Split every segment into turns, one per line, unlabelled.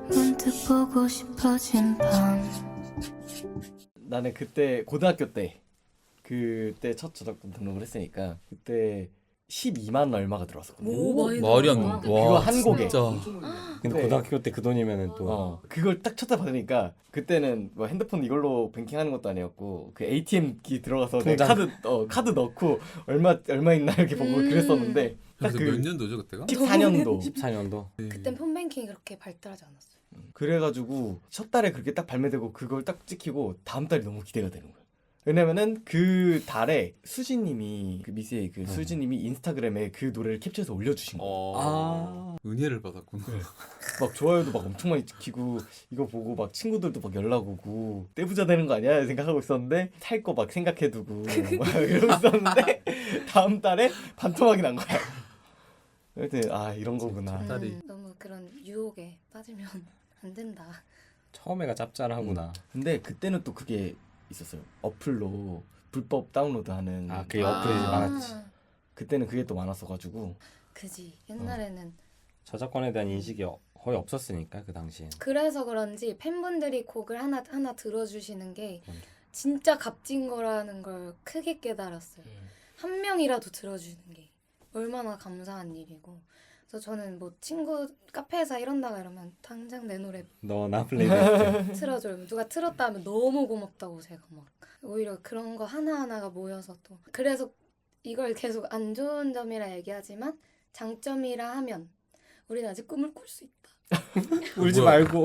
문득 보고 싶어진 밤.
나는 그때 고등학교 때 그때 첫 저작권 등록을 했으니까 그때 12만 얼마가 들어왔었거든.
오, 많이
말이 안
들어왔다.
돼.
그거 한 곡에.
진짜.
근데
네.
고등학교 때 그 돈이면은 또
그걸 딱 쳤다 받으니까 그때는 뭐 핸드폰 이걸로 뱅킹하는 것도 아니었고 그 ATM기 들어가서 내 카드 넣고 얼마 있나 이렇게 보고 그랬었는데 딱
그래서
그
몇 년도죠 그때가?
14년도
14년도
그땐 폰뱅킹이 그렇게 발달하지 않았어요.
그래가지고 첫 달에 그렇게 딱 발매되고 그걸 딱 찍히고 다음 달이 너무 기대가 되는 거야. 왜냐면은 그 달에 수지님이 그 미스의 그 수지님이 인스타그램에 그 노래를 캡처해서 올려주신 거야.
은혜를 받았구나.
막 좋아요도 막 엄청 많이 찍히고 이거 보고 막 친구들도 막 연락 오고 떼부자 되는 거 아니야 생각하고 있었는데 살 거 막 생각해두고 막 이러고 있었는데 다음 달에 반토막이 난 거야. 그래서 이런 거구나.
딸이.
너무 그런 유혹에 빠지면 안 된다.
처음에가 짭짤하구나.
근데 그때는 또 그게 있었어요. 어플로 불법 다운로드하는
그게 어플이 많았지.
그때는 그게 또 많았어가지고
그지. 옛날에는
저작권에 대한 인식이 거의 없었으니까 그 당시엔.
그래서 그런지 팬분들이 곡을 하나 들어주시는 게
맞아.
진짜 값진 거라는 걸 크게 깨달았어요. 한 명이라도 들어주는 게 얼마나 감사한 일이고. 그래서 저는 뭐 친구 카페에서 이런다가 이러면 당장 내 노래
너나 플레이리스트.
틀어줘요. 누가 틀었다 하면 너무 고맙다고 제가 막 오히려 그런 거 하나하나가 모여서 또 그래서 이걸 계속 안 좋은 점이라 얘기하지만 장점이라 하면 우린 아직 꿈을 꿀 수 있다.
울지
뭐야.
말고.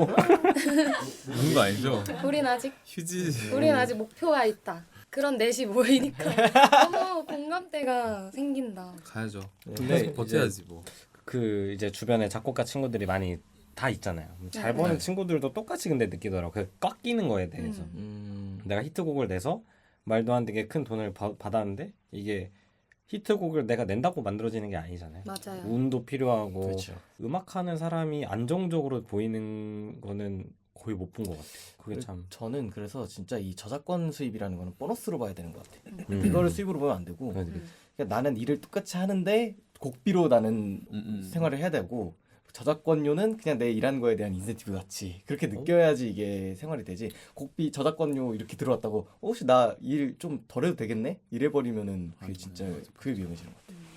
우는 거 아니죠?
우린 아직
휴지.
목표가 있다. 그런 넷이 모이니까 너무 공감대가 생긴다.
가야죠.
근데
계속 버텨야지 뭐.
그 이제 주변에 작곡가 친구들이 많이 다 있잖아요. 잘
네.
버는 친구들도 똑같이 근데 느끼더라고. 그 꺾이는 거에 대해서. 내가 히트곡을 내서 말도 안 되게 큰 돈을 받았는데 이게 히트곡을 내가 낸다고 만들어지는 게 아니잖아요.
맞아요.
운도 필요하고
그렇죠.
음악하는 사람이 안정적으로 보이는 거는 거의 못 본 것 같아요. 그게 참.
저는 그래서 진짜 이 저작권 수입이라는 거는 보너스로 봐야 되는 것 같아요.
음.
이거를 수입으로 보면 안 되고 그러니까 나는 일을 똑같이 하는데 곡비로 나는 생활을 해야 되고 저작권료는 그냥 내 일하는 거에 대한 인센티브 같이 그렇게 느껴야지 이게 생활이 되지. 곡비 저작권료 이렇게 들어왔다고 혹시 나 일 좀 덜 해도 되겠네? 이래버리면은 그게 진짜 그게 위험해지는 것 같아요.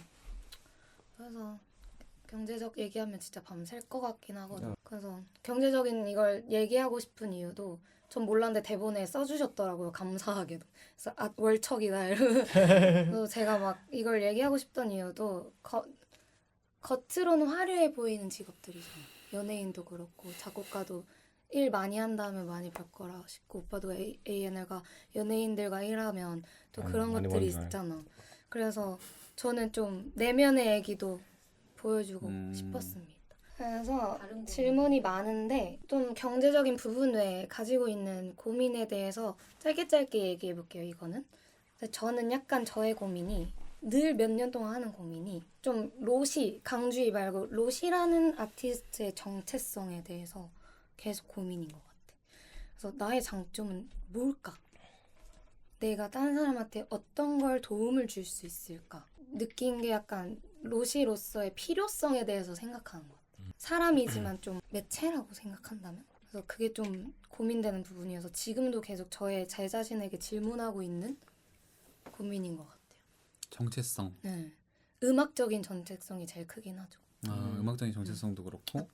그래서 경제적 얘기하면 진짜 밤샐 것 같긴 하거든. 그래서 경제적인 이걸 얘기하고 싶은 이유도 전 몰랐는데 대본에 써주셨더라고요. 감사하게도. 그래서 월척이다 이러고. 그래서 제가 막 이걸 얘기하고 싶던 이유도 겉으로는 화려해 보이는 직업들이잖아요. 연예인도 그렇고 작곡가도 일 많이 한 다음에 많이 벌 거라 싶고 오빠도 A&R가 연예인들과 일하면 또 그런
많이
것들이
버는 줄
있잖아. 그래서 저는 좀 내면의 얘기도 보여주고 싶었습니다. 그래서 질문이 많은데 좀 경제적인 부분 외에 가지고 있는 고민에 대해서 짧게 얘기해 볼게요. 이거는 저는 약간 저의 고민이 늘 몇 년 동안 하는 고민이 좀 강주희 말고 로시라는 아티스트의 정체성에 대해서 계속 고민인 것 같아. 그래서 나의 장점은 뭘까? 내가 다른 사람한테 어떤 걸 도움을 줄 수 있을까? 느낀 게 약간 로시로서의 필요성에 대해서 생각하는 것 같아. 사람이지만 좀 매체라고 생각한다면? 그래서 그게 좀 고민되는 부분이어서 지금도 계속 제 자신에게 질문하고 있는 고민인 것 같아요.
정체성.
네. 음악적인 정체성이 제일 크긴 하죠.
음악적인 정체성도 그렇고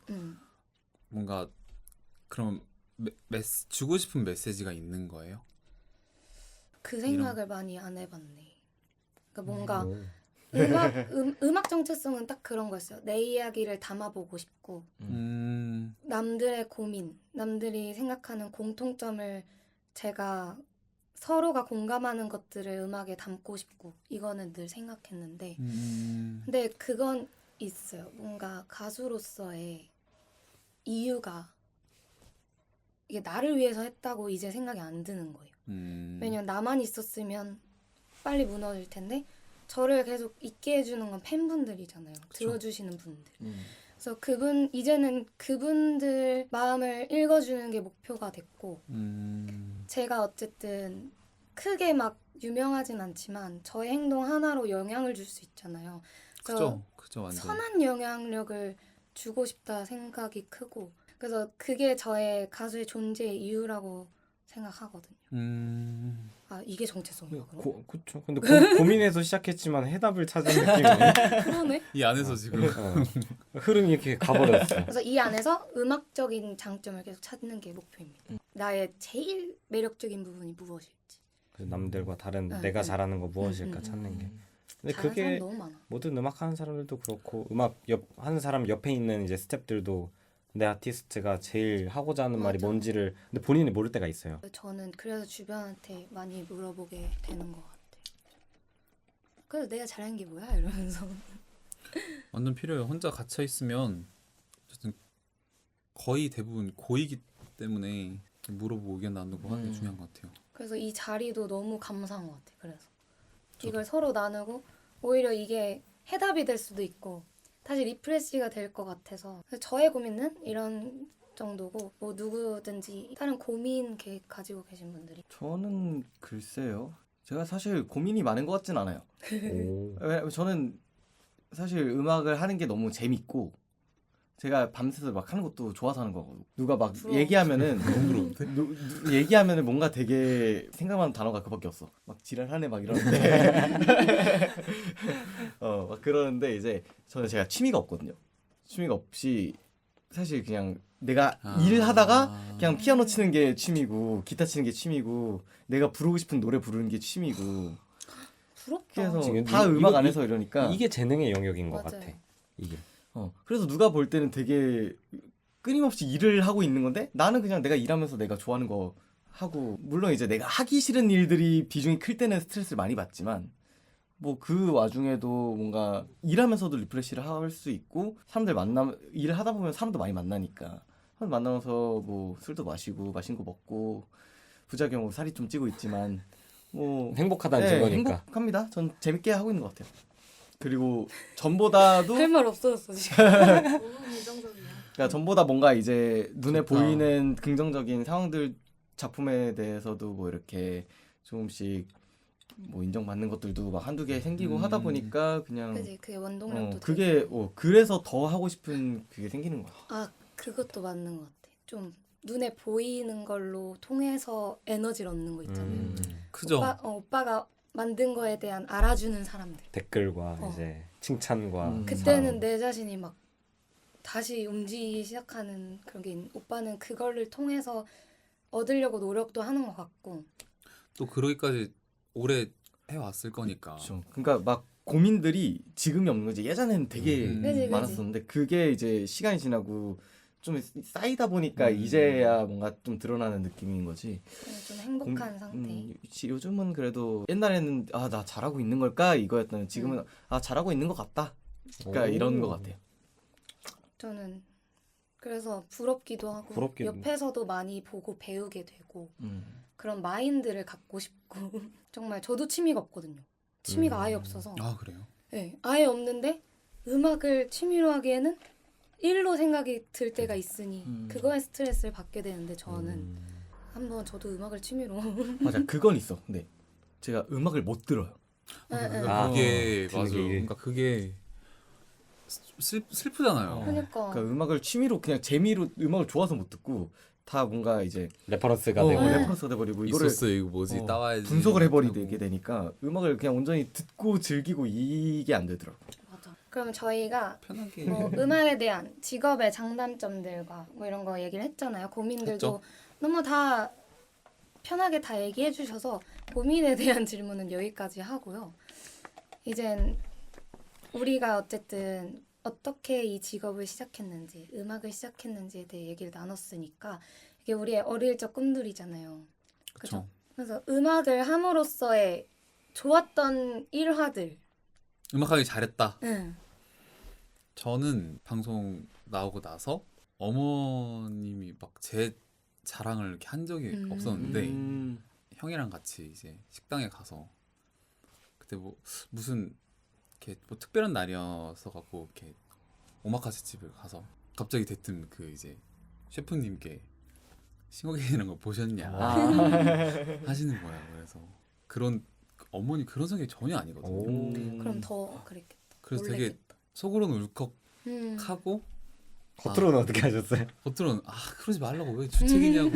뭔가 그럼 주고 싶은 메시지가 있는 거예요?
그 생각을 많이 안 해봤네. 그러니까 뭔가
오.
음악 정체성은 딱 그런 거였어요. 내 이야기를 담아보고 싶고 남들의 고민, 남들이 생각하는 공통점을 제가 서로가 공감하는 것들을 음악에 담고 싶고 이거는 늘 생각했는데 근데 그건 있어요. 뭔가 가수로서의 이유가 이게 나를 위해서 했다고 이제 생각이 안 드는 거예요. 왜냐면 나만 있었으면 빨리 무너질 텐데 저를 계속 있게 해주는 건 팬분들이잖아요. 그쵸? 들어주시는 분들. 그래서 이제는 그분들 마음을 읽어주는 게 목표가 됐고 제가 어쨌든 크게 막 유명하진 않지만 저의 행동 하나로 영향을 줄 수 있잖아요. 그래서
그죠 완전.
선한 영향력을 주고 싶다 생각이 크고 그래서 그게 저의 가수의 존재의 이유라고 생각하거든요. 아 이게 정체성인가 그럼?
그쵸. 근데 고민해서 시작했지만 해답을 찾은 느낌이네.
그러네.
이 안에서 지금
흐름이 이렇게 가버렸어.
그래서 이 안에서 음악적인 장점을 계속 찾는 게 목표입니다. 나의 제일 매력적인 부분이 무엇일지.
그래서 남들과 다른
응,
내가
응.
잘하는 거 무엇일까 찾는 게. 근데
잘하는
그게
사람 너무 많아.
모든 음악 하는 사람들도 그렇고 음악 하는 사람 옆에 있는 이제 스태프들도 내 아티스트가 제일 하고자 하는 말이
맞아.
뭔지를 근데 본인이 모를 때가 있어요.
저는 그래서 주변한테 많이 물어보게 되는 것 같아요. 그래서 내가 잘하는 게 뭐야? 이러면서.
완전 필요해요. 혼자 갇혀 있으면 어쨌든 거의 대부분 고이기 때문에 물어보고 의견 나누고 하는 게 중요한 것 같아요.
그래서 이 자리도 너무 감사한 것 같아요. 그래서 이걸 서로 나누고 오히려 이게 해답이 될 수도 있고 다시 리프레시가 될 것 같아서 그래서 저의 고민은 이런 정도고 뭐 누구든지 다른 고민 가지고 계신 분들이
저는 글쎄요. 제가 사실 고민이 많은 것 같진 않아요.
오.
왜냐면 저는 사실 음악을 하는 게 너무 재밌고 제가 밤새서 막 하는 것도 좋아서 하는 거고 누가 막
부러워.
얘기하면은 얘기하면은 뭔가 되게 생각나는 단어가 그밖에 없어. 막 지랄하네 막 이러는데 막 그러는데 이제 저는 제가 취미가 없거든요. 취미가 없이 사실 그냥 내가 일하다가 그냥 피아노 치는 게 취미고 기타 치는 게 취미고 내가 부르고 싶은 노래 부르는 게 취미고
부럽다.
그래서
지금
다
이거-
음악
이거-
안에서 이러니까
이게 재능의 영역인 것
맞아요.
같아. 이게.
그래서 누가 볼 때는 되게 끊임없이 일을 하고 있는 건데 나는 그냥 내가 일하면서 내가 좋아하는 거 하고 물론 이제 내가 하기 싫은 일들이 비중이 클 때는 스트레스를 많이 받지만 뭐 그 와중에도 뭔가 일하면서도 리프레시를 할 수 있고 사람들 일을 하다 보면 사람도 많이 만나니까 사람 만나면서 뭐 술도 마시고 맛있는 거 먹고 부작용으로 살이 좀 찌고 있지만 뭐
행복하다는
네,
증거니까.
행복합니다. 전 재밌게 하고 있는 것 같아요. 그리고 전보다도
할 말 없어졌어 지금.
너무 긍정적이야.
그러니까 전보다 뭔가 이제 눈에
좋다.
보이는 긍정적인 상황들 작품에 대해서도 뭐 이렇게 조금씩 뭐 인정받는 것들도 막 한두 개 생기고 하다 보니까 그냥
그지 그게 원동력도
그게
되고.
그래서 더 하고 싶은 그게 생기는 거야.
아 그것도 맞는 것 같아. 좀 눈에 보이는 걸로 통해서 에너지를 얻는 거 있잖아요.
크죠.
오빠가 만든 거에 대한 알아주는 사람들.
댓글과
어.
이제 칭찬과
그때는
사랑.
내 자신이 막 다시 움직이기 시작하는 그런 게 오빠는 그거를 통해서 얻으려고 노력도 하는 것 같고.
또 그러기까지 오래 해왔을 거니까.
그렇죠. 그러니까 막 고민들이 지금이 없는 거지. 예전에는 되게
그지.
많았었는데 그게 이제 시간이 지나고 좀 쌓이다 보니까 이제야 뭔가 좀 드러나는 느낌인 거지.
좀 행복한 상태.
요즘은 그래도 옛날에는 아 나 잘하고 있는 걸까 이거였다면 지금은 아 잘하고 있는 것 같다. 그러니까
오.
이런 것 같아요.
저는 그래서 부럽기도 하고
부럽기도.
옆에서도 많이 보고 배우게 되고
음.
그런 마인드를 갖고 싶고 정말 저도 취미가 없거든요. 취미가 아예 없어서
아 그래요?
네, 아예 없는데 음악을 취미로 하기에는 일로 생각이 들 때가 있으니 그거에 스트레스를 받게 되는데 저는 한번 저도 음악을 취미로
맞아 그건 있어. 근데 제가 음악을 못 들어요.
아,
그게
듣는
맞아.
게
그러니까 그게 슬프잖아요.
그러니까
그러니까 음악을 취미로 그냥 재미로 음악을 좋아서 못 듣고 다 뭔가 이제
레퍼런스가 되고
레퍼런스가 돼버리고 이거를
있었어 이거 뭐지 따와야지.
분석을 해버리게
하고.
되니까 음악을 그냥 온전히 듣고 즐기고 이게 안 되더라고.
맞아. 그럼 저희가
편하게.
뭐 음악에 대한 직업의 장단점들과 뭐 이런 거 얘기를 했잖아요. 고민들도
했죠.
너무 다 편하게 다 얘기해 주셔서 고민에 대한 질문은 여기까지 하고요. 이젠 우리가 어쨌든 어떻게 이 직업을 시작했는지, 음악을 시작했는지에 대해 얘기를 나눴으니까 이게 우리의 어릴 적 꿈들이잖아요. 그렇죠? 그래서 음악을 함으로써의 좋았던 일화들.
음악하기 잘했다.
응.
저는 방송 나오고 나서 어머님이 막 제 자랑을 이렇게 한 적이 없었는데 형이랑 같이 이제 식당에 가서 그때 뭐 무슨 이렇게 뭐 특별한 날이어서 갖고 이렇게 오마카세 집을 가서 갑자기 대뜸 그 이제 셰프님께 싱어게인이라는 거 보셨냐 하시는 거야. 그래서 그런 어머니 그런 성격이 전혀 아니거든요.
그럼 더 그랬겠다.
그래서
놀랬겠다.
되게 속으로는 울컥하고
음.
겉으로는 어떻게 하셨어요?
겉으로는 그러지 말라고 왜 주책이냐고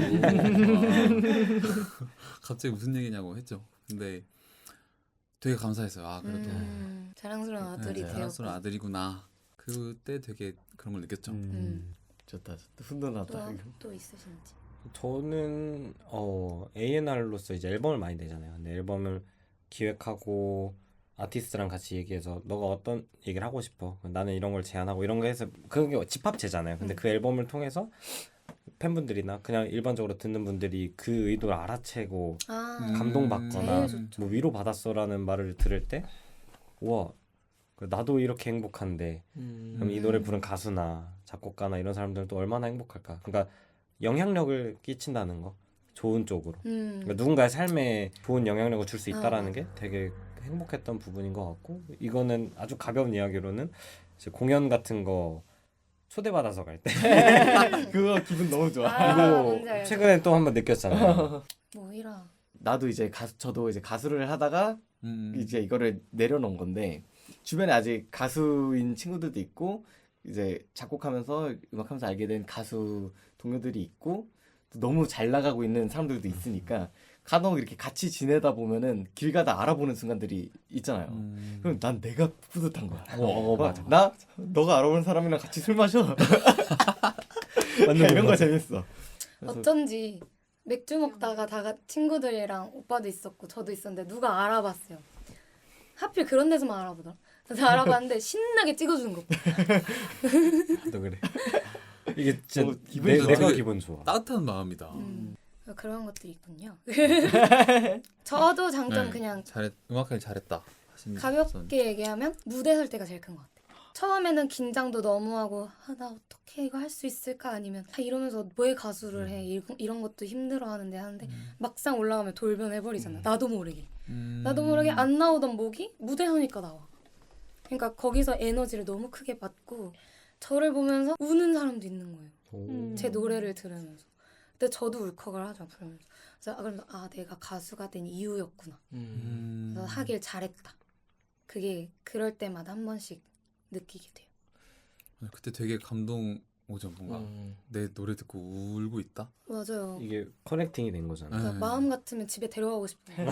갑자기 무슨 얘기냐고 했죠. 근데 되게 감사했어요. 그래도
자랑스러운 아들이 되었고.
자랑스러운 아들이구나. 그때 되게 그런 걸 느꼈죠.
좋다. 훈훈하다.
또 있으신지.
저는 A&R로서 이제 앨범을 많이 내잖아요. 근데 앨범을 기획하고 아티스트랑 같이 얘기해서 너가 어떤 얘기를 하고 싶어? 나는 이런 걸 제안하고 이런 거 해서 그게 집합제잖아요. 근데 그 앨범을 통해서 팬분들이나 그냥 일반적으로 듣는 분들이 그 의도를 알아채고 감동받거나
제일 좋죠.
뭐 위로받았어라는 말을 들을 때 우와 나도 이렇게 행복한데 그럼 이 노래 부른 가수나 작곡가나 이런 사람들은 또 얼마나 행복할까. 그러니까 영향력을 끼친다는 거 좋은 쪽으로 그러니까 누군가의 삶에 좋은 영향력을 줄 수 있다라는 게 되게 행복했던 부분인 것 같고 이거는 아주 가벼운 이야기로는 이제 공연 같은 거 초대받아서 갈 때
그거 기분 너무 좋아.
뭔지
이거
알죠.
최근에 또 한번 느꼈잖아요.
뭐이라.
나도 이제 저도 이제 가수를 하다가 이제 이거를 내려놓은 건데 주변에 아직 가수인 친구들도 있고 이제 작곡하면서 음악하면서 알게 된 가수 동료들이 있고 또 너무 잘 나가고 있는 사람들도 있으니까 간혹 이렇게 같이 지내다 보면은 길 가다 알아보는 순간들이 있잖아요. 그럼 난 내가 뿌듯한 거야.
맞아.
너가 알아보는 사람이랑 같이 술 마셔. 이런 거 재밌어. 그래서
어쩐지 맥주 먹다가 친구들이랑 오빠도 있었고 저도 있었는데 누가 알아봤어요. 하필 그런 데서만 알아보더라. 그래서 알아봤는데 신나게 찍어주는 거.
너 그래. 이게 진짜
기분이
내가
되게
기분 좋아.
따뜻한 마음이다.
그런 것들이 있군요. 저도 장점 그냥
음악하기 잘했다.
가볍게 얘기하면 무대 설 때가 제일 큰 것 같아요. 처음에는 긴장도 너무 하고 나 어떻게 이거 할 수 있을까 아니면 이러면서 왜 가수를 해 이런 것도 힘들어하는데 하는데 막상 올라가면 돌변해버리잖아. 나도 모르게 안 나오던 목이 무대 서니까 나와. 그러니까 거기서 에너지를 너무 크게 받고 저를 보면서 우는 사람도 있는 거예요. 제 노래를 들으면서. 근데 저도 울컥을 하죠. 부르면서. 그래서 그러면서 내가 가수가 된 이유였구나. 그래서 하길 잘했다. 그게 그럴 때마다 한 번씩 느끼게 돼요.
그때 되게 감동 오죠. 뭔가 내 노래 듣고 울고 있다.
맞아요.
이게 커넥팅이 된 거잖아.
그러니까 마음 같으면 집에 데려가고 싶어요.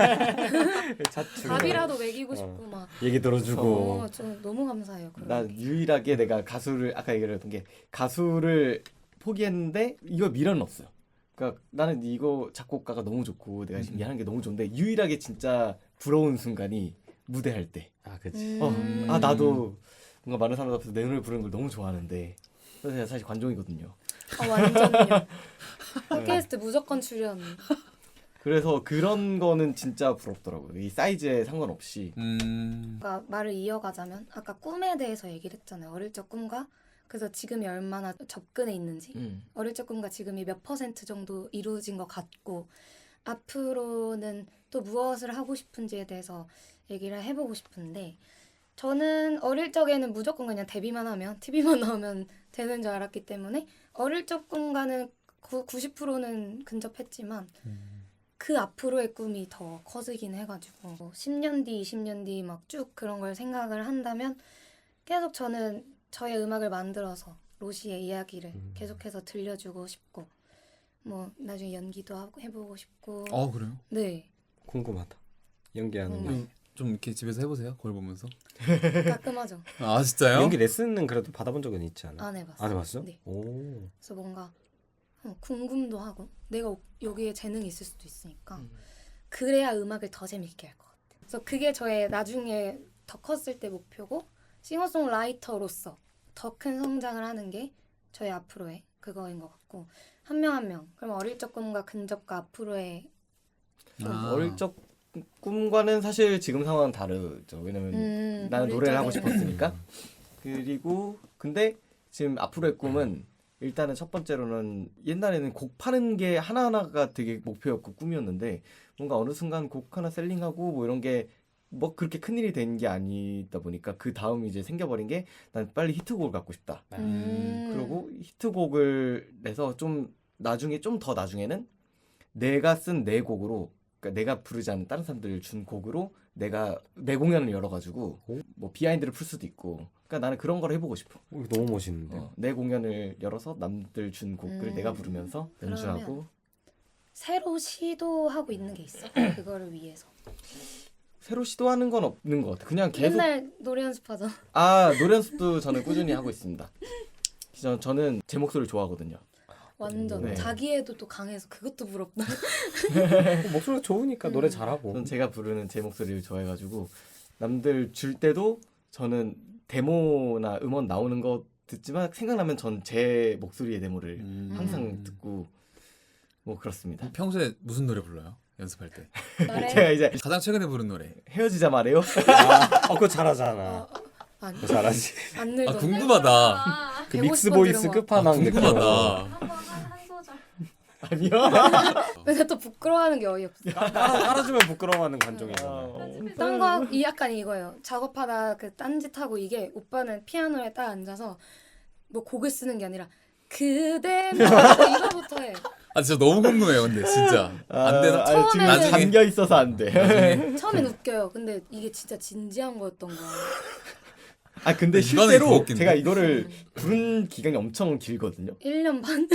밥이라도 먹이고 싶고 막.
얘기 들어주고.
좀 너무 감사해요.
나 유일하게 내가 가수를 아까 얘기했던 게 가수를 포기했는데 이거 미련은 없어요. 그러니까 나는 이거 작곡가가 너무 좋고 내가 지금 하는 게 너무 좋은데 유일하게 진짜 부러운 순간이 무대할 때.
그치.
나도 뭔가 많은 사람들 앞에서 내 노래 부르는 걸 너무 좋아하는데 그래서 제가 사실 관종이거든요.
완전요. 팟캐스트 무조건 출연.
그래서 그런 거는 진짜 부럽더라고요. 이 사이즈에 상관없이.
그러니까 말을 이어가자면 아까 꿈에 대해서 얘기를 했잖아요. 어릴 적 꿈과 그래서 지금이 얼마나 접근해 있는지 어릴 적 꿈과 지금이 몇 % 정도 이루어진 것 같고 앞으로는 또 무엇을 하고 싶은지에 대해서 얘기를 해보고 싶은데 저는 어릴 적에는 무조건 그냥 데뷔만 하면 TV만 나오면 되는 줄 알았기 때문에 어릴 적 꿈과는 90%는 근접했지만 그 앞으로의 꿈이 더 커지긴 해가지고 10년 뒤, 20년 뒤 막 쭉 그런 걸 생각을 한다면 계속 저는 저의 음악을 만들어서 로시의 이야기를 계속해서 들려주고 싶고 뭐 나중에 연기도 하고 해보고 싶고.
그래요?
네.
궁금하다. 연기하는 거.
좀 이렇게 집에서 해보세요. 거울 보면서.
가끔 하죠.
진짜요?
연기 레슨은 그래도 받아본 적은 있지 않아?
안 해봤어요.
안 해봤어?
네.
오.
그래서 뭔가 궁금도 하고 내가 여기에 재능이 있을 수도 있으니까 그래야 음악을 더 재밌게 할 것 같아요. 그래서 그게 저의 나중에 더 컸을 때 목표고 싱어송라이터로서 더 큰 성장을 하는 게 저의 앞으로의 그거인 것 같고 한 명 한 명. 그럼 어릴 적 꿈과 근접과 앞으로의
어릴 적 꿈과는 사실 지금 상황은 다르죠. 왜냐면 나는 노래를 하고 싶었으니까. 그리고 근데 지금 앞으로의 꿈은 일단은 첫 번째로는 옛날에는 곡 파는 게 하나하나가 되게 목표였고 꿈이었는데 뭔가 어느 순간 곡 하나 셀링하고 뭐 이런 게 뭐 그렇게 큰일이 된 게 아니다 보니까 그 다음 이제 생겨버린 게 난 빨리 히트곡을 갖고 싶다. 그리고 히트곡을 내서 좀 나중에 좀 더 나중에는 내가 쓴 내 곡으로 그러니까 내가 부르지 않은 다른 사람들 준 곡으로 내가 내 공연을 열어가지고 뭐 비하인드를 풀 수도 있고 그러니까 나는 그런 걸 해보고 싶어.
이거 너무 멋있는데.
내 공연을 열어서 남들 준 곡을 내가 부르면서 연주하고.
그러면 새로 시도하고 있는 게 있어. 그거를 위해서.
새로 시도하는 건 없는 것 같아. 그냥 계속
맨날 노래 연습하잖아.
노래 연습도 저는 꾸준히 하고 있습니다. 저는 제 목소리를 좋아하거든요.
완전
네.
자기애도 또 강해서 그것도 부럽다.
목소리가 좋으니까 노래 잘하고.
저는 제가 부르는 제 목소리를 좋아해가지고 남들 줄 때도 저는 데모나 음원 나오는 거 듣지만 생각나면 전 제 목소리의 데모를 항상 듣고 뭐 그렇습니다.
평소에 무슨 노래 불러요? 연습할 때
노래
제가 이제
가장 최근에 부른 노래.
헤어지자 말해요.
그거 잘하잖아.
아니
그거 잘하지.
안
아
늙어.
궁금하다.
그 믹스 보이스 끝판왕 느낌.
궁금하다.
아니요.
근데 또 부끄러워하는 게 어이없어.
깔아주면 부끄러워하는 관종이잖아.
딴 거 이 약간 이거예요. 작업하다 그 딴짓하고 이게 오빠는 피아노에 딱 앉아서 뭐 곡을 쓰는 게 아니라 그대 이거부터 해.
아 진짜 너무 궁금해요. 근데 진짜 안 되나?
지금
처음에는-
나중에-
잠겨 있어서 안 돼.
처음엔 웃겨요. 근데 이게 진짜 진지한 거였던 거야.
근데
이거는 더
실제로
웃긴데?
제가 이거를 부른 기간이 엄청 길거든요.
1년 반?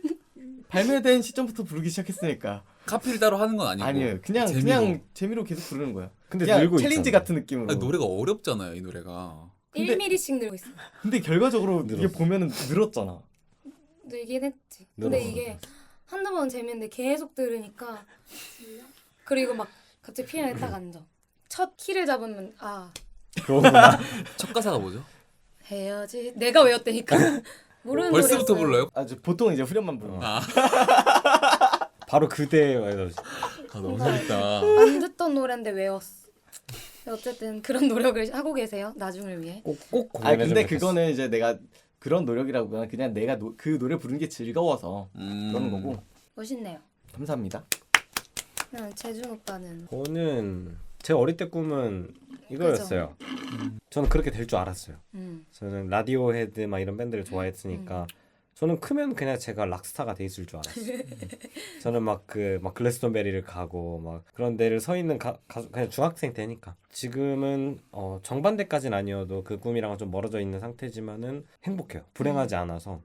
발매된 시점부터 부르기 시작했으니까.
카피를 따로 하는 건 아니고.
아니에요. 그냥
재미로.
그냥 재미로 계속 부르는 거야.
근데
그냥
늘고
챌린지
있잖아.
같은 느낌으로.
아니, 노래가 어렵잖아요. 이 노래가.
근데-
1mm씩 늘고 있어.
근데 결과적으로 이게
늘었어.
보면은 늘었잖아.
늘긴 했지. 근데
늘었어.
이게 한두 번 재밌는데 계속 들으니까 그리고 막 갑자기 피아노에 딱 앉아. 첫 키를 잡으면
그거구나.
첫 가사가 뭐죠?
해야지. 내가 외웠다니까. 모르는
벌써부터
노래였어요.
불러요?
보통 이제 후렴만 부르는
아,
바로 그대.
너무 재밌다.
안 듣던 노래인데 외웠어. 어쨌든 그런 노력을 하고 계세요. 나중을 위해.
꼭 공연했으면
근데
좋겠어.
그거는 이제 내가 그런 노력이라고나 그냥 내가 그 노래 부르는 게 즐거워서 그러는 거고.
멋있네요.
감사합니다.
재준 오빠는
저는 제 어릴 때 꿈은 이거였어요. 저는 그렇게 될 줄 알았어요. 저는 라디오헤드 막 이런 밴드를 좋아했으니까 저는 크면 그냥 제가 락스타가 돼 있을 줄 알았어요. 저는 막 글래스톤베리를 가고 막 그런 데를 서 있는 가수 그냥 중학생 때니까. 지금은 정반대까지는 아니어도 그 꿈이랑은 좀 멀어져 있는 상태지만은 행복해요. 불행하지 않아서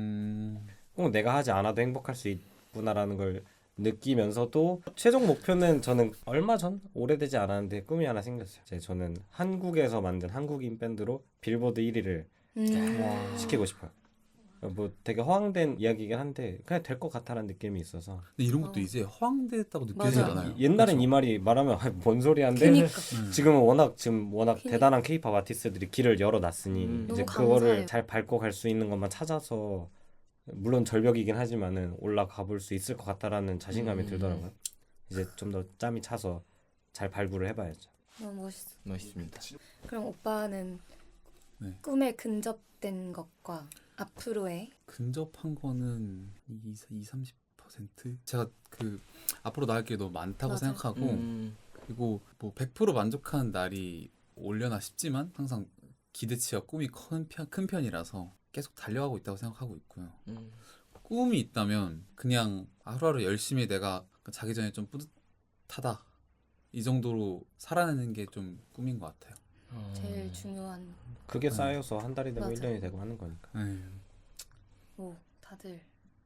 꼭 내가 하지 않아도 행복할 수 있구나라는 걸 느끼면서도 최종 목표는 저는 얼마 전 오래되지 않았는데 꿈이 하나 생겼어요. 저는 한국에서 만든 한국인 밴드로 빌보드 1위를 시키고 싶어요. 뭐 되게 허황된 이야기긴 한데 그냥 될 것 같다는 느낌이 있어서.
근데 이런 것도 이제 허황됐다고 느껴지지
맞아.
않아요?
옛날엔
그렇죠?
이 말이 말하면 뭔 소리 한데
그니까.
지금은 워낙
그니까.
대단한 케이팝 아티스트들이 길을 열어놨으니 이제
너무
그거를
감사해요.
잘 밟고 갈 수 있는 것만 찾아서 물론 절벽이긴 하지만은 올라가 볼 수 있을 것 같다라는 자신감이 들더라고요. 이제 좀 더 짬이 차서 잘 발굴을 해봐야죠.
너무 멋있어.
멋있습니다.
그럼 오빠는
네.
꿈에 근접된 것과 앞으로의
근접한 거는 20-30%? 제가 그 앞으로 나갈 길이 너무 많다고
맞아.
생각하고 그리고 뭐 100% 만족하는 날이 올려나 싶지만 항상 기대치와 꿈이 큰 편이라서 계속 달려가고 있다고 생각하고 있고요. 꿈이 있다면 그냥 하루하루 열심히 내가 자기 전에 좀 뿌듯하다 이 정도로 살아내는 게 좀 꿈인 것 같아요.
제일 중요한
그게 쌓여서 한 달이 되고
맞아.
1년이 되고 하는 거니까.
다들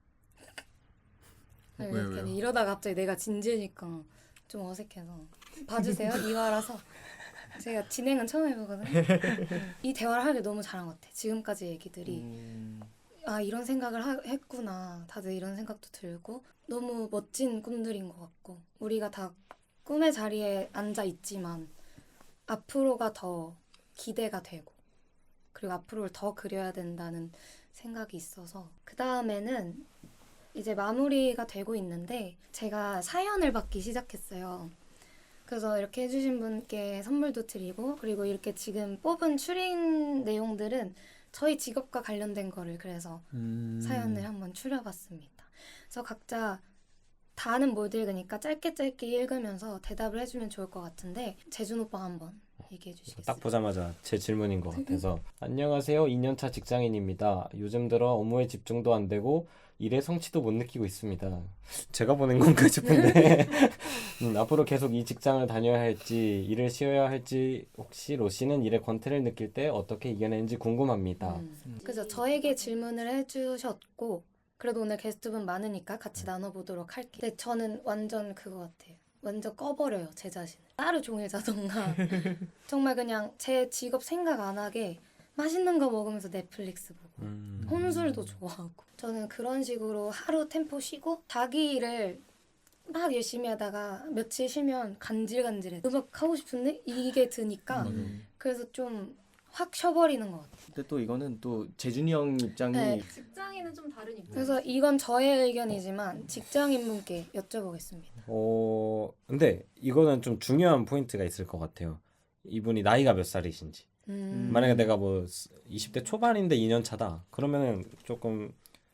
왜요?
이러다가 갑자기 내가 진지하니까 좀 어색해서 봐주세요. 이화라서 제가 진행은 처음 해보거든요. 이 대화를 하길 너무 잘한 것 같아. 지금까지 얘기들이 이런 생각을 했구나. 다들 이런 생각도 들고 너무 멋진 꿈들인 것 같고 우리가 다 꿈의 자리에 앉아 있지만 앞으로가 더 기대가 되고 그리고 앞으로를 더 그려야 된다는 생각이 있어서 그 다음에는 이제 마무리가 되고 있는데 제가 사연을 받기 시작했어요. 그래서 이렇게 해주신 분께 선물도 드리고 그리고 이렇게 지금 뽑은 추린 내용들은 저희 직업과 관련된 거를 그래서 사연을 한번 추려봤습니다. 그래서 각자 다는 못 읽으니까 짧게 읽으면서 대답을 해주면 좋을 것 같은데 재준 오빠 한번 얘기해 주시겠어요?
딱 보자마자 제 질문인 것 같아서 안녕하세요. 2년차 직장인입니다. 요즘 들어 업무에 집중도 안 되고 일의 성취도 못 느끼고 있습니다. 제가 보낸 건가 싶은데 앞으로 계속 이 직장을 다녀야 할지 일을 쉬어야 할지 혹시 로씨는 일의 권태를 느낄 때 어떻게 이겨내는지 궁금합니다.
그래서 저에게 질문을 해주셨고 그래도 오늘 게스트분 많으니까 같이 나눠보도록 할게요. 근데 저는 완전 그거 같아요. 완전 꺼버려요 제 자신을. 하루 종일 자던가 정말 그냥 제 직업 생각 안 하게 맛있는 거 먹으면서 넷플릭스 보고 혼술도 좋아하고 저는 그런 식으로 하루 템포 쉬고 자기 일을 막 열심히 하다가 며칠 쉬면 간질간질해. 음악 하고 싶은데 이게 드니까 그래서 좀 확 쉬어버리는 것 같아요.
근데 또 이거는 또 재준이 형 입장이
네.
직장인은 좀 다른 입장.
그래서 이건 저의 의견이지만 직장인분께 여쭤보겠습니다.
근데 이거는 좀 중요한 포인트가 있을 것 같아요. 이분이 나이가 몇 살이신지. 만약에 내가 뭐 20대 초반인데 2년 차다. 그러면은 조금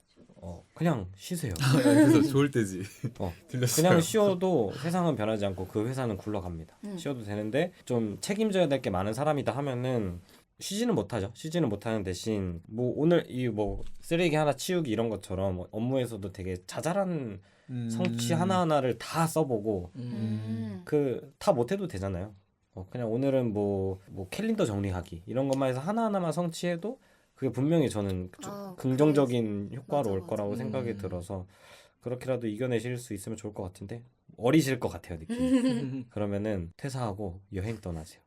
그냥 쉬세요.
그래서 좋을 때지. 들렸어요.
그냥 쉬어도 세상은 변하지 않고 그 회사는 굴러갑니다. 쉬어도 되는데 좀 책임져야 될 게 많은 사람이다 하면은 쉬지는 못하죠. 쉬지는 못하는 대신 뭐 오늘 이 뭐 쓰레기 하나 치우기 이런 것처럼 업무에서도 되게 자잘한 성취 하나하나를 다 써보고 그 다 못해도 되잖아요. 그냥 오늘은 뭐 캘린더 정리하기 이런 것만 해서 하나하나만 성취해도 그게 분명히 저는 긍정적인 효과로 올 거라고 생각이 들어서 그렇게라도 이겨내실 수 있으면 좋을 것 같은데 어리실 것 같아요 느낌이. 그러면은 퇴사하고 여행 떠나세요.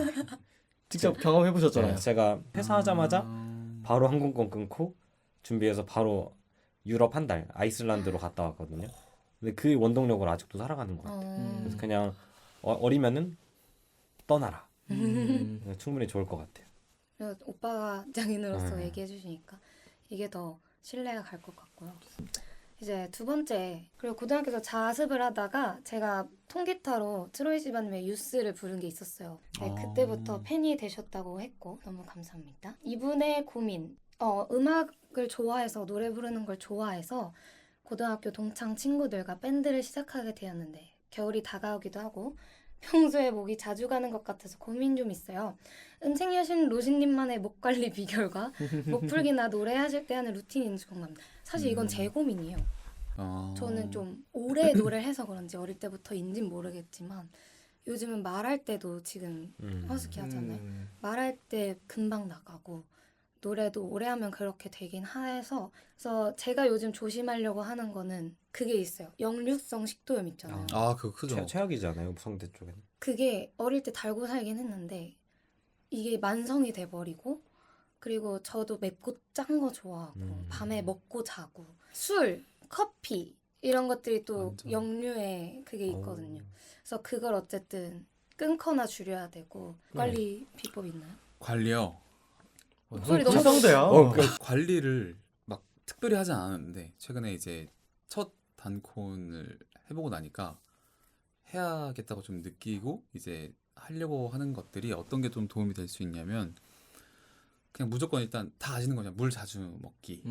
직접 경험해 보셨잖아요.
제가 퇴사하자마자 바로 항공권 끊고 준비해서 바로 유럽 한 달 아이슬란드로 갔다 왔거든요. 근데 그 원동력으로 아직도 살아가는 것 같아요. 그래서 그냥 어리면은 떠나라. 충분히 좋을 것 같아요.
오빠가 장인으로서 얘기해 주시니까 이게 더 신뢰가 갈 것 같고요. 이제 두 번째, 그리고 고등학교에서 자습을 하다가 제가 통기타로 트로이 시반님의 유스를 부른 게 있었어요. 네, 그때부터 팬이 되셨다고 했고 너무 감사합니다. 이분의 고민, 음악을 좋아해서 노래 부르는 걸 좋아해서 고등학교 동창 친구들과 밴드를 시작하게 되었는데 겨울이 다가오기도 하고 평소에 목이 자주 가는 것 같아서 고민 좀 있어요. 은책 여신 로신님만의 목 관리 비결과 목 풀기나 노래하실 때 하는 루틴인지 궁금합니다. 사실 이건 제 고민이에요. 저는 좀 오래 노래를 해서 그런지 어릴 때부터인진 모르겠지만 요즘은 말할 때도 지금 허스키 하잖아요. 말할 때 금방 나가고 노래도 오래 하면 그렇게 되긴 해서 그래서 제가 요즘 조심하려고 하는 거는 그게 있어요. 역류성 식도염 있잖아요.
그거 크죠.
최악이잖아요 성대 쪽에는.
그게 어릴 때 달고 살긴 했는데 이게 만성이 돼버리고 그리고 저도 맵고 짠 거 좋아하고 밤에 먹고 자고 술, 커피 이런 것들이 또
완전.
역류에 그게 있거든요. 그래서 그걸 어쨌든 끊거나 줄여야 되고 관리 비법 있나요?
관리요.
목소리 너무
불성대야.
관리를 막 특별히 하진 않았는데 최근에 이제 첫 단콘을 해보고 나니까 해야겠다고 좀 느끼고 이제 하려고 하는 것들이 어떤 게 좀 도움이 될 수 있냐면 그냥 무조건 일단 다 아시는 거죠. 물 자주 먹기.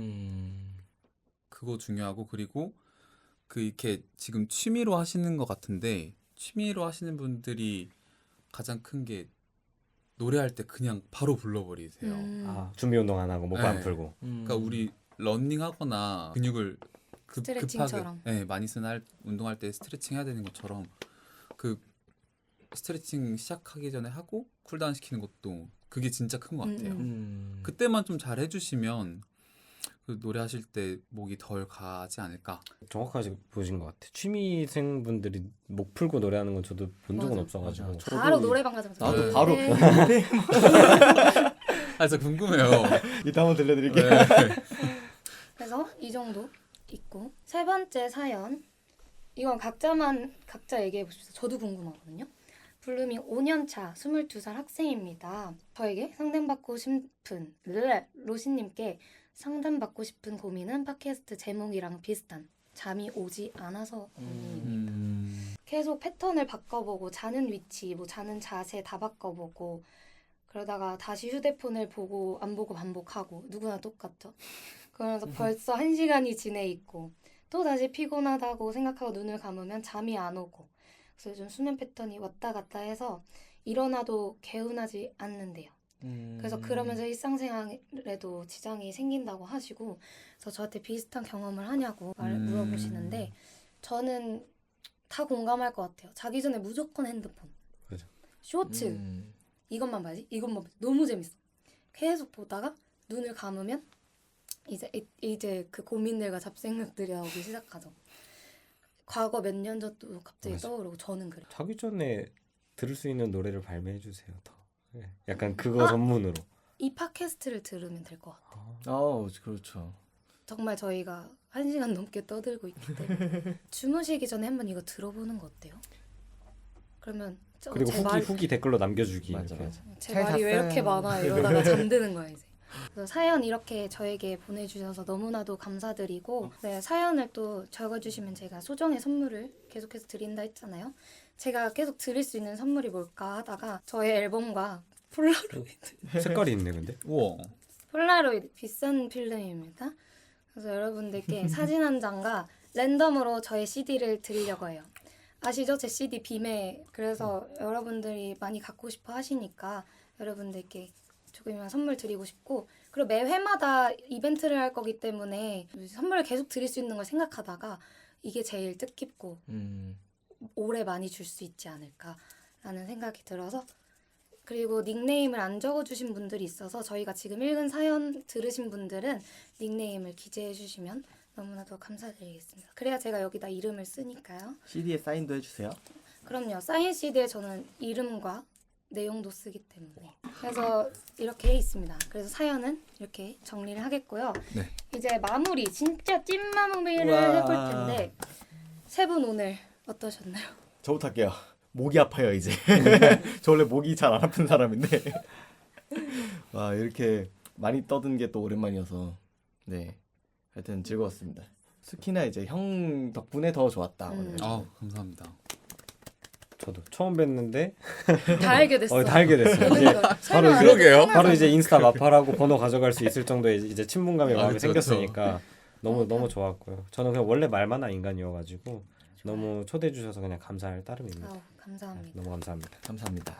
그거 중요하고 그리고 그 이렇게 지금 취미로 하시는 것 같은데 취미로 하시는 분들이 가장 큰 게 노래할 때 그냥 바로 불러버리세요.
준비 운동 안 하고 목 안 풀고.
그러니까 우리 러닝하거나 근육을
스트레칭처럼.
급하게 많이 쓰는 운동할 때 스트레칭 해야 되는 것처럼 그 스트레칭 시작하기 전에 하고 쿨다운 시키는 것도 그게 진짜 큰 것 같아요. 그때만 좀 잘 해주시면 그 노래하실 때 목이 덜 가지 않을까.
정확하게 보신 것 같아요. 취미생 분들이 목 풀고 노래하는 건 저도 본 적은
맞아.
없어가지고.
바로 노래방 가자마자
나도
네.
바로
진짜 궁금해요.
이따 한번 들려드릴게요.
네.
그래서 이 정도 있고 세 번째 사연 이건 각자 얘기해 보십시오. 저도 궁금하거든요. 블루밍 5년차 22살 학생입니다. 저에게 상담받고 싶은 로시님께 상담받고 싶은 고민은 팟캐스트 제목이랑 비슷한 잠이 오지 않아서 고민입니다. 계속 패턴을 바꿔보고 자는 위치, 뭐 자는 자세 다 바꿔보고 그러다가 다시 휴대폰을 보고 안 보고 반복하고 누구나 똑같죠. 그러면서 벌써 1시간이 지내 있고 또 다시 피곤하다고 생각하고 눈을 감으면 잠이 안 오고 그래서 요즘 수면 패턴이 왔다 갔다 해서 일어나도 개운하지 않는데요. 그래서 그러면서 일상생활에도 지장이 생긴다고 하시고, 그래서 저한테 비슷한 경험을 하냐고 물어보시는데, 저는 다 공감할 것 같아요. 자기 전에 무조건 핸드폰,
그죠.
쇼츠, 이것만 봐야지, 이것만 봐야지. 너무 재밌어. 계속 보다가 눈을 감으면 이제 그 고민들과 잡생각들이 나오기 시작하죠. 과거 몇 년 전도 갑자기
맞아.
떠오르고, 저는 그래요.
자기 전에 들을 수 있는 노래를 발매해 주세요. 더. 네. 약간 그거 전문으로.
이 팟캐스트를 들으면 될 것 같아요.
그렇죠.
정말 저희가 1시간 넘게 떠들고 있기 때문에 주무시기 전에 한번 이거 들어보는 거 어때요? 그러면
그리고 후기 댓글로 남겨주기.
맞아,
이렇게.
맞아.
제
잘
말이 왜
잤어요.
이렇게 많아 이러다가 잠드는 거야 이제. 그래서 사연 이렇게 저에게 보내주셔서 너무나도 감사드리고, 네, 사연을 또 적어주시면 제가 소정의 선물을 계속해서 드린다 했잖아요. 제가 계속 드릴 수 있는 선물이 뭘까 하다가 저의 앨범과 폴라로이드
색깔이 있네 근데.
우와.
폴라로이드 비싼 필름입니다. 그래서 여러분들께 사진 한 장과 랜덤으로 저의 CD를 드리려고 해요. 아시죠? 제 CD 빔에. 그래서 여러분들이 많이 갖고 싶어 하시니까 여러분들께 조금이면 선물 드리고 싶고, 그리고 매 회마다 이벤트를 할 거기 때문에 선물을 계속 드릴 수 있는 걸 생각하다가 이게 제일 뜻깊고 오래 많이 줄 수 있지 않을까라는 생각이 들어서, 그리고 닉네임을 안 적어주신 분들이 있어서 저희가 지금 읽은 사연 들으신 분들은 닉네임을 기재해 주시면 너무나도 감사드리겠습니다. 그래야 제가 여기다 이름을 쓰니까요.
CD에 사인도 해주세요.
그럼요. 사인 CD에 저는 이름과 내용도 쓰기 때문에. 그래서 이렇게 있습니다. 그래서 사연은 이렇게 정리를 하겠고요.
네.
이제 마무리, 진짜 찐 마무리를
우와.
해볼 텐데, 세 분 오늘 어떠셨나요?
저부터 할게요. 목이 아파요 이제. 저 원래 목이 잘 안 아픈 사람인데 와, 이렇게 많이 떠든 게 또 오랜만이어서 네, 하여튼 즐거웠습니다. 특히나 이제 형 덕분에 더 좋았다. 오늘.
아 감사합니다.
저도 처음 뵀는데
다 알게 됐어.
다 알게 됐어요. 이제
그러니까 설명 안 해도
그러게요.
편하잖아.
바로 이제 인스타 마팔하고 번호 가져갈 수 있을 정도의 이제 친분감이 마음에
그쵸,
생겼으니까 너무 좋았고요. 저는 그냥 원래 말 많은 인간이어가지고 너무 초대해 주셔서 그냥 감사할 따름입니다.
아우, 감사합니다.
너무 감사합니다.
감사합니다.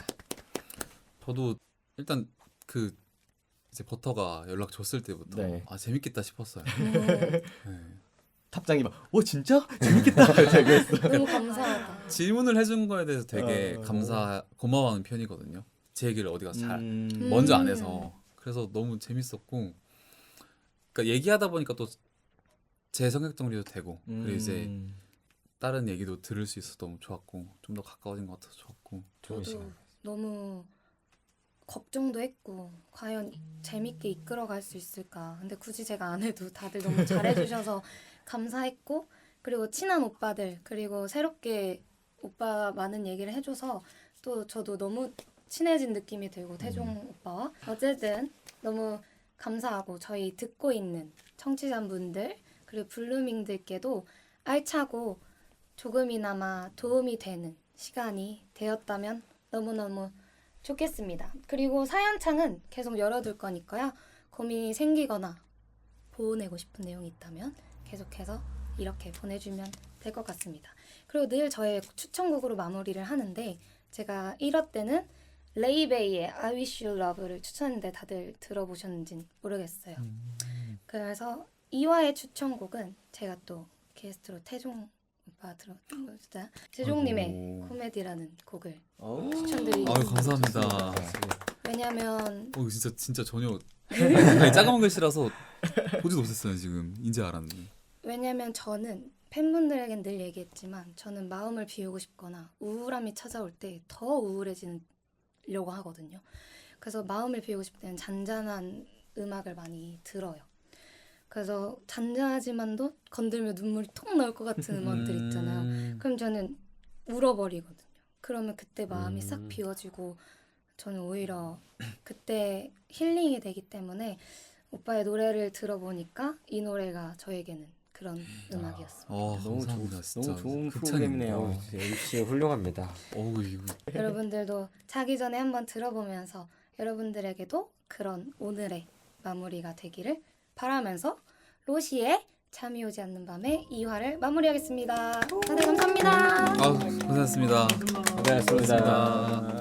저도 일단 그 이제 버터가 연락 줬을 때부터
네.
아 재밌겠다 싶었어요.
음,
네.
탑장이 막 진짜 재밌겠다. 제가 했어.
너무 감사하다.
질문을 해준 거에 대해서 되게 고마워하는 편이거든요. 제 얘기를 어디가 잘 먼저 안 해서. 그래서 너무 재밌었고, 그러니까 얘기하다 보니까 또 제 성격 정리도 되고, 그리고 이제 다른 얘기도 들을 수 있어서 너무 좋았고, 좀 더 가까워진 것 같아서 좋았고.
좋은
저도
시간.
너무 걱정도 했고, 과연 재밌게 이끌어갈 수 있을까. 근데 굳이 제가 안 해도 다들 너무 잘해주셔서 감사했고, 그리고 친한 오빠들, 그리고 새롭게 오빠 많은 얘기를 해줘서 또 저도 너무 친해진 느낌이 들고, 태종 오빠와. 어쨌든 너무 감사하고, 저희 듣고 있는 청취자분들 그리고 블루밍들께도 알차고 조금이나마 도움이 되는 시간이 되었다면 너무너무 좋겠습니다. 그리고 사연창은 계속 열어둘 거니까요. 고민이 생기거나 보내고 싶은 내용이 있다면 계속해서 이렇게 보내주면 될 것 같습니다. 그리고 늘 저의 추천곡으로 마무리를 하는데, 제가 1화 때는 레이베이의 I Wish You Love를 추천했는데 다들 들어보셨는지 모르겠어요. 그래서 2화의 추천곡은 제가 또 게스트로 태종 오빠 들어주자 태종님의 코미디라는 곡을 추천드리고
아유 감사합니다.
왜냐면
이거 진짜 전혀 아니, 작은 글씨라서 보지도 못했어요 지금. 이제 알았네.
왜냐면 저는 팬분들에겐 늘 얘기했지만 저는 마음을 비우고 싶거나 우울함이 찾아올 때 더 우울해지려고 하거든요. 그래서 마음을 비우고 싶을 때는 잔잔한 음악을 많이 들어요. 그래서 잔잔하지만도 건들면 눈물이 톡 나올 것 같은 음악들 있잖아요. 그럼 저는 울어버리거든요. 그러면 그때 마음이 싹 비워지고 저는 오히려 그때 힐링이 되기 때문에 오빠의 노래를 들어보니까 이 노래가 저에게는 그런 음악이었습니다.
너무
감사합니다. 진짜
너무 좋은
극찬입니다.
프로그램이네요.
MC 훌륭합니다.
이거
여러분들도 자기 전에 한번 들어보면서 여러분들에게도 그런 오늘의 마무리가 되기를 바라면서 로시의 잠이 오지 않는 밤의 2화를 마무리하겠습니다. 다들 감사합니다.
고생하셨습니다.
고생하셨습니다.